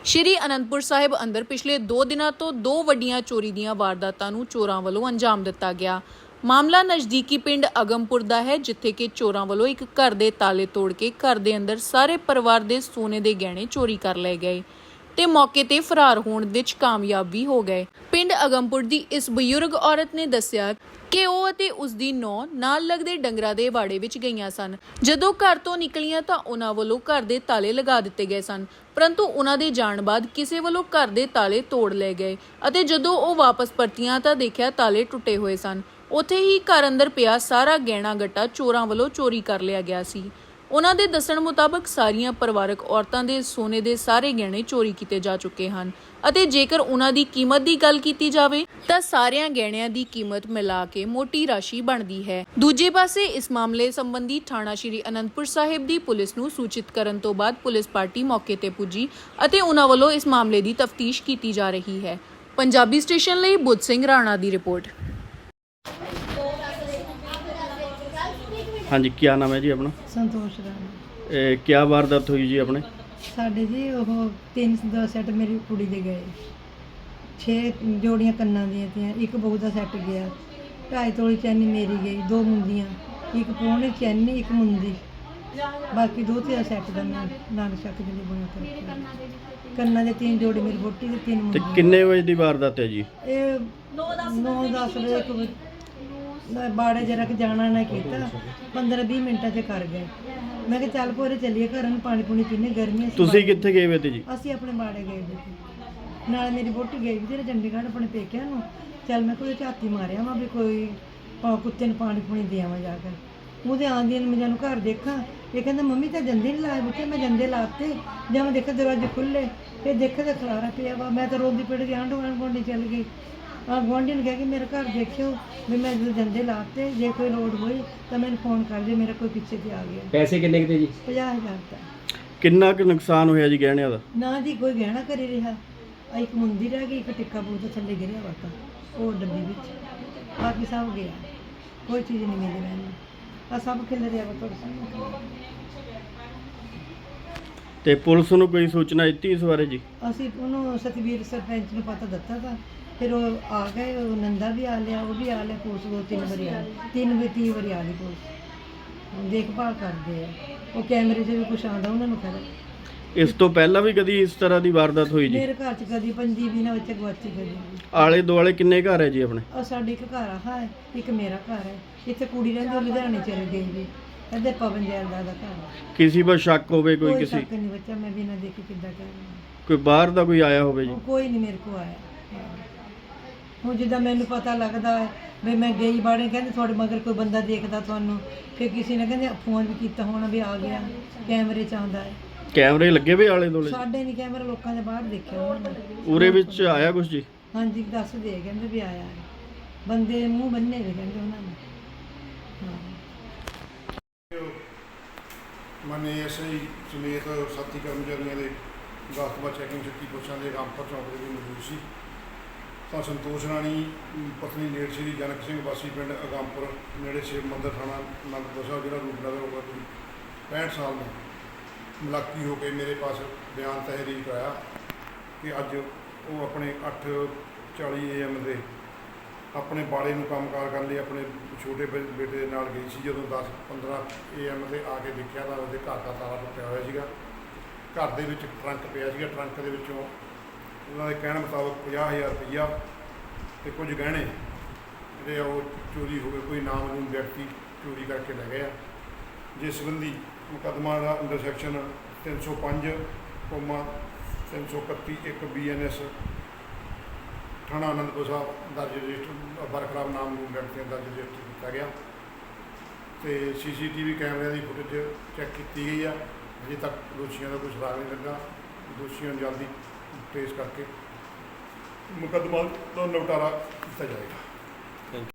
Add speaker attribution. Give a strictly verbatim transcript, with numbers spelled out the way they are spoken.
Speaker 1: ਸ਼੍ਰੀ ਅਨੰਦਪੁਰ ਸਾਹਿਬ ਅੰਦਰ ਪਿਛਲੇ ਦੋ ਦਿਨਾਂ ਤੋਂ ਦੋ ਵੱਡੀਆਂ ਚੋਰੀ ਦੀਆਂ ਵਾਰਦਾਤਾਂ ਨੂੰ ਚੋਰਾਂ ਵੱਲੋਂ ਅੰਜਾਮ ਦਿੱਤਾ ਗਿਆ। ਮਾਮਲਾ ਨਜ਼ਦੀਕੀ ਪਿੰਡ ਅਗੰਮਪੁਰ ਦਾ ਹੈ, ਜਿੱਥੇ ਕਿ ਚੋਰਾਂ ਵੱਲੋਂ ਇੱਕ ਘਰ ਦੇ ਤਾਲੇ ਤੋੜ ਕੇ ਘਰ ਦੇ ਅੰਦਰ ਸਾਰੇ ਪਰਿਵਾਰ ਦੇ ਸੋਨੇ ਦੇ ਗਹਿਣੇ ਚੋਰੀ ਕਰ ਲਏ ਗਏ ਤੇ ਮੌਕੇ ਤੇ ਫਰਾਰ ਹੋਣ ਵਿੱਚ ਕਾਮਯਾਬ ਵੀ ਹੋ ਗਏ। ਪਿੰਡ ਅਗੰਮਪੁਰ ਦੀ ਇਸ ਬਜ਼ੁਰਗ ਔਰਤ ਨੇ ਦੱਸਿਆ ਕਿ ਉਹ ਅਤੇ ਉਸ ਦੀ ਨੌਂ ਨਾਲ ਲੱਗਦੇ ਡੰਗਰਾਂ ਦੇ ਵਾੜੇ ਵਿੱਚ ਗਈਆਂ ਸਨ। ਜਦੋਂ ਘਰ ਤੋਂ ਨਿਕਲੀਆਂ ਤਾਂ ਉਹਨਾਂ ਵੱਲੋਂ ਘਰ ਦੇ ਤਾਲੇ ਲਗਾ ਦਿੱਤੇ ਗਏ ਸਨ, ਪਰੰਤੂ ਉਹਨਾਂ ਦੇ ਜਾਣ ਬਾਅਦ ਕਿਸੇ ਵੱਲੋਂ ਘਰ ਦੇ ਤਾਲੇ ਤੋੜ ਲਏ ਗਏ ਅਤੇ ਜਦੋਂ ਉਹ ਵਾਪਸ ਪਰਤੀਆਂ ਤਾਂ ਦੇਖਿਆ ਤਾਲੇ ਟੁੱਟੇ ਹੋਏ ਸਨ। ਉੱਥੇ ਹੀ ਘਰ ਅੰਦਰ ਪਿਆ ਸਾਰਾ ਗਹਿਣਾ ਗੱਟਾ ਚੋਰਾਂ ਵੱਲੋਂ ਚੋਰੀ ਕਰ ਲਿਆ ਗਿਆ ਸੀ। ਉਹਨਾਂ ਦੇ ਦੱਸਣ ਮੁਤਾਬਕ ਸਾਰੀਆਂ ਪਰਿਵਾਰਕ ਔਰਤਾਂ ਦੇ ਸੋਨੇ ਦੇ ਸਾਰੇ ਗਹਿਣੇ ਚੋਰੀ ਕੀਤੇ ਜਾ ਚੁੱਕੇ ਹਨ ਅਤੇ ਜੇਕਰ ਉਹਨਾਂ ਦੀ ਕੀਮਤ ਦੀ ਗੱਲ ਕੀਤੀ ਜਾਵੇ ਤਾਂ ਸਾਰਿਆਂ ਗਹਿਣਿਆਂ ਦੀ ਕੀਮਤ ਮਿਲਾ ਕੇ ਮੋਟੀ ਰਾਸ਼ੀ ਬਣਦੀ ਹੈ। ਦੂਜੇ ਪਾਸੇ ਇਸ ਮਾਮਲੇ ਸੰਬੰਧੀ ਥਾਣਾ ਸ਼੍ਰੀ ਅਨੰਦਪੁਰ ਸਾਹਿਬ ਦੀ ਪੁਲਿਸ ਨੂੰ ਸੂਚਿਤ ਕਰਨ ਤੋਂ ਬਾਅਦ ਪੁਲਿਸ ਪਾਰਟੀ ਮੌਕੇ ਤੇ ਪੁੱਜੀ ਅਤੇ ਉਹਨਾਂ ਵੱਲੋਂ ਇਸ ਮਾਮਲੇ ਦੀ ਤਫਤੀਸ਼ ਕੀਤੀ ਜਾ ਰਹੀ ਹੈ। ਪੰਜਾਬੀ ਸਟੇਸ਼ਨ ਲਈ ਬੁੱਧ ਸਿੰਘ ਰਾਣਾ ਦੀ ਰਿਪੋर्ट।
Speaker 2: हाँ जी, क्या नाम है जी अपना?
Speaker 3: संतोष राणा।
Speaker 2: ए, क्या वारदात हुई जी अपने?
Speaker 3: साढ़े जी वो तीन दो सैट मेरी कुड़ी दे गए, छे जोड़ियां कन्ना दियां थी, एक बहू का सैट गया, ढाई तोली चैनी मेरी गई, दो मुंदियां, एक पौने चैनी एक मुंदी, बाकी दो तीन सैट का मैं नाग शक जी बना कर कन्ना दे तीन जोड़े मेरी वोटी दे तीन
Speaker 2: ते
Speaker 3: मुंदियां।
Speaker 2: किन्ने बजे दी वारदात है जी?
Speaker 3: ये नौ दस बजे एक बाड़े जरा के जाना ना किया, पंद्रह बीस मिनटा से कर गए। मैं कि चल भोरे चलिए घर पानी पुनी पीने, गर्मी
Speaker 2: तुसी कित्थे गए वे थे जी?
Speaker 3: ਅਸੀਂ ਆਪਣੇ ਬਾੜੇ ਗਏ ਸੀ ਨਾਲ ਮੇਰੀ ਵੋਟੀ ਗਈ ਵੀ ਤੇ ਚੰਡੀਗੜ੍ਹ ਆਪਣੇ ਪੇਕਿਆਂ ਨੂੰ। ਚੱਲ ਮੈਂ ਕੋਈ ਝਾਤੀ ਮਾਰਿਆ ਵਾ ਵੀ ਕੋਈ ਪਾ- ਕੁੱਤੇ ਨੂੰ ਪਾਣੀ ਪੁਣੀ ਦੇ ਆਵਾਂ ਜਾ ਕੇ। ਉਹਦੇ ਆਂਦੀ ਨੂੰ ਮੈਂ ਘਰ ਦੇਖਾਂ, ਇਹ ਕਹਿੰਦਾ ਮੰਮੀ ਤਾਂ ਜੰਦੇ ਨਹੀਂ ਲਾਏ ਬੁੱਤੇ। ਮੈਂ ਜੰਦੇ ਲਾਤੇ, ਜਦ ਮੈਂ ਦੇਖਿਆ ਦਰਵਾਜ਼ੇ ਖੁੱਲੇ, ਫਿਰ ਦੇਖਿਆ ਤਾਂ ਖਲਾਰਾ ਪਿਆ ਵਾ। ਮੈਂ ਤਾਂ ਰੋਂਦੀ ਪਿੱਟਦੀ ਆਂਢ ਗੁਆਂਢ ਚੱਲ ਗਈ। ਆ ਗੁਆਂਢੀ ਨੂੰ ਕਹਿ ਕੇ ਮੇਰੇ ਘਰ ਦੇਖਿਓ ਵੀ ਮੈਂ ਜਦੋਂ ਜੰਦੇ ਲਾਤੇ, ਜੇ ਕੋਈ ਲੋੜ ਹੋਈ ਤਾਂ ਮੈਨੂੰ ਫੋਨ ਕਰ ਦਿਓ, ਮੇਰਾ ਕੋਈ ਪਿੱਛੇ ਤੇ ਆ ਗਿਆ।
Speaker 2: पैसे किन्ने के थे जी?
Speaker 3: ਪੰਜਾਹ ਹਜ਼ਾਰ ਦਾ।
Speaker 2: किन्ना क नुकसान होया जी गहणियां दा?
Speaker 3: ਨਾ ਜੀ ਕੋਈ ਗਹਿਣਾ ਘਰੇ ਰਿਹਾ, ਆਹ ਇੱਕ ਮੁੰਦੀ ਰਹਿ ਗਈ, ਇੱਕ ਟਿੱਕਾ ਬੂਤ ਥੱਲੇ ਗਿਰਿਆ ਵਾ ਤਾਂ ਉਹ ਡੱਬੀ ਵਿੱਚ, ਬਾਕੀ ਸਭ ਗਿਆ, ਕੋਈ ਚੀਜ਼ ਨਹੀਂ ਮਿਲੀ ਮੈਨੂੰ। ਆ ਸਭ ਖਿਲ ਰਿਹਾ ਵਾ ਤੁਹਾਡੇ ਸਾਹਮਣੇ।
Speaker 2: ਤੇ ਪੁਲਿਸ ਨੂੰ ਕੋਈ ਸੂਚਨਾ ਦਿੱਤੀ ਇਸ ਬਾਰੇ ਜੀ?
Speaker 3: ਅਸੀਂ ਉਹਨੂੰ ਸਤਵੀਰ ਸਰਪੰਚ ਨੂੰ ਪਤਾ ਦਿੱਤਾ ਤਾਂ ਫਿਰ ਉਹ ਆ ਗਏ, ਉਹ ਨੰਦਾ ਵੀ ਆ ਲਿਆ, ਉਹ ਵੀ ਆ ਲਿਆ, ਪੁਲਿਸ ਦੋ ਤਿੰਨ ਵਾਰੀ ਆ ਤਿੰਨ ਵੀ ਤੀਹ ਵਾਰੀ ਆ ਗਈ ਪੁਲਿਸ, ਦੇਖਭਾਲ ਕਰਦੇ ਆ। ਉਹ ਕੈਮਰੇ 'ਚ ਵੀ ਕੁਛ ਆਉਂਦਾ ਉਹਨਾਂ ਨੂੰ ਖੜਾ।
Speaker 2: ਇਸ ਤੋਂ ਪਹਿਲਾਂ ਵੀ ਕਦੀ ਇਸ ਤਰ੍ਹਾਂ ਦੀ ਵਾਰਦਾਤ ਹੋਈ ਜੀ?
Speaker 3: ਮੇਰੇ ਘਰ 'ਚ ਕਦੀ ਪੰਜੀ ਵੀ ਨਾ ਬੱਚੇ ਗਵਾਚੀ ਕਦੀ।
Speaker 2: ਆਲੇ ਦੁਆਲੇ ਕਿੰਨੇ ਘਰ ਹੈ ਜੀ ਆਪਣੇ?
Speaker 3: ਉਹ ਸਾਡੇ ਇੱਕ ਘਰ ਆ ਹੈ, ਇੱਕ ਮੇਰਾ ਘਰ ਹੈ। ਇੱਥੇ ਕੁੜੀ ਰਹਿੰਦੀ, ਉਹ ਲੁਧਿਆਣੇ ਚਲੀ ਗਈ ਜੀ, ਇੱਧਰ ਪਵਨ ਜੈਲਦਾਰ ਦਾ ਘਰ ਹੈ।
Speaker 2: ਕਿਸੇ ਪਰ ਸ਼ੱਕ ਹੋਵੇ ਕੋਈ
Speaker 3: ਕੋਈ
Speaker 2: ਕਿਸੇ?
Speaker 3: ਸ਼ੱਕ ਨਹੀਂ ਬੱਚਾ, ਮੈਂ ਬਿਨਾਂ ਦੇਖੇ ਕਿੱਦਾਂ ਕਹਿ ਰਹੀ
Speaker 2: ਕੋਈ ਬਾਹਰ ਦਾ ਕੋਈ ਆਇਆ ਹੋਵੇ ਜੀ?
Speaker 3: ਹਾਂ। ਕੋਈ ਨਹੀਂ ਮੇਰੇ ਕੋਲ ਆਇਆ। ਹਾਂ। ਹੁਣ ਜਿੱਦਾਂ ਮੈਨੂੰ ਪਤਾ ਲੱਗਦਾ ਹੈ ਵੀ ਮੈਂ ਗਈ ਬਾੜੇ, ਕਹਿੰਦੇ ਤੁਹਾਡੇ ਮਗਰ ਕੋਈ ਬੰਦਾ ਦੇਖਦਾ ਤੁਹਾਨੂੰ, ਫਿਰ ਕਿਸੇ ਨੇ ਕਹਿੰਦੇ ਫੋਨ ਵੀ ਕੀਤਾ ਹੋਣਾ ਵੀ ਆ ਗਿਆ, ਕੈਮਰੇ 'ਚ ਆਉਂਦਾ ਹੈ।
Speaker 2: ਕੈਮਰੇ ਲੱਗੇ ਵੇ ਆਲੇ ਦੁਆਲੇ?
Speaker 3: ਸਾਡੇ ਨਹੀਂ ਕੈਮਰਾ, ਲੋਕਾਂ ਦੇ ਬਾਹਰ ਦੇਖਿਆ ਉਹਨਾਂ ਨੇ।
Speaker 2: ਉਰੇ ਵਿੱਚ ਆਇਆ ਕੁਝ ਜੀ?
Speaker 3: ਹਾਂਜੀ ਦੱਸਦੇ ਕਹਿੰਦੇ ਵੀ ਆਇਆ ਹੈ, ਬੰਦੇ ਦੇ ਮੂੰਹ ਬੰਨੇ ਵੇ ਕਹਿੰਦੇ ਉਹਨਾਂ ਨੇ। ਹਾਂ।
Speaker 4: ਮਨੇ ਐਸਆਈ ਸਮੇਤ ਸਾਥੀ ਕਰਮਚਾਰੀਆਂ ਦੇ ਗਾਸਤਬਾ ਚੈਕਿੰਗ ਛੁੱਟੀ ਪੁੱਛਾਂ ਦੇ ਰਾਮਪੁਰ ਚੌਂਕ ਦੇ ਮੌਜੂਦ ਸੀ ਤਾਂ ਸੰਤੋਸ਼ ਰਾਣੀ ਪਤਨੀ ਲੇਟ ਸ਼੍ਰੀ ਜਨਕ ਸਿੰਘ ਵਾਸੀ ਪਿੰਡ ਅਗੰਮਪੁਰ ਨੇੜੇ ਸ਼ਿਵ ਮੰਦਰ ਥਾਣਾ ਅਨੰਦਪੁਰ ਸਾਹਿਬ ਜਿਹੜਾ ਰੂਪਨਗਰ ਹੋਗਾ ਕੋਈ ਪੈਂਹਠ ਸਾਲ ਦਾ ਮੁਲਾਕੀ ਹੋ ਕੇ ਮੇਰੇ ਪਾਸ ਬਿਆਨ ਤਹਿਰੀਰ ਕਰਾਇਆ ਕਿ ਅੱਜ ਉਹ ਆਪਣੇ ਅੱਠ ਚਾਲੀ ਏ ਐਮ ਦੇ ਆਪਣੇ ਬਾੜੇ ਨੂੰ ਕੰਮਕਾਰ ਕਰਨ ਲਈ ਆਪਣੇ ਛੋਟੇ ਬੇ- ਬੇਟੇ ਦੇ ਨਾਲ ਗਈ ਸੀ। ਜਦੋਂ ਦਸ ਪੰਦਰਾਂ ਏ ਐਮ 'ਤੇ ਆ ਕੇ ਦੇਖਿਆ ਤਾਂ ਉਹਦੇ ਘਰ ਦਾ ਤਾਲਾ ਟੁੱਟਿਆ ਹੋਇਆ ਸੀਗਾ। ਘਰ ਦੇ ਵਿੱਚ ਟਰੰਕ ਪਿਆ ਸੀਗਾ, ਟਰੰਕ ਦੇ ਵਿੱਚੋਂ ਉਹਨਾਂ ਦੇ ਕਹਿਣ ਮੁਤਾਬਕ ਪੰਜਾਹ ਹਜ਼ਾਰ ਰੁਪਈਆ ਅਤੇ ਕੁਝ ਗਹਿਣੇ ਜਿਹੜੇ ਆ ਉਹ ਚੋਰੀ ਹੋ ਗਏ, ਕੋਈ ਨਾਮਲੂਮ ਵਿਅਕਤੀ ਚੋਰੀ ਕਰਕੇ ਲੈ ਗਏ ਆ। ਜਿਸ ਸੰਬੰਧੀ ਮੁਕੱਦਮਾ ਦਾ ਅੰਡਰ ਸੈਕਸ਼ਨ ਤਿੰਨ ਸੌ ਪੰਜ ਕੋਮਾ ਤਿੰਨ ਸੌ ਇਕੱਤੀ ਇੱਕ ਬੀ ਐਨ ਐਸ ਥਾਣਾ ਅਨੰਦਪੁਰ ਸਾਹਿਬ ਦਰਜ ਰਜਿਸਟਰ ਬਰਕਰਾਰ ਨਾਮਲੂਮ ਵਿਅਕਤੀਆਂ ਦਰਜ ਰਜਿਸਟਰ ਕੀਤਾ ਗਿਆ ਅਤੇ ਸੀ ਸੀ ਟੀ ਵੀ ਕੈਮਰਿਆਂ ਦੀ ਫੁਟੇਜ ਚੈੱਕ ਕੀਤੀ ਗਈ ਆ। ਅਜੇ ਤੱਕ ਦੋਸ਼ੀਆਂ ਦਾ ਕੋਈ ਸੁਰਾਗ ਨਹੀਂ ਲੱਗਾ। ਦੋਸ਼ੀਆਂ ਨੂੰ ਜਲਦੀ ਟ੍ਰੇਸ ਕਰਕੇ ਮੁਕੱਦਮਾ ਦਾ ਨਿਪਟਾਰਾ ਕੀਤਾ ਜਾਏਗਾ।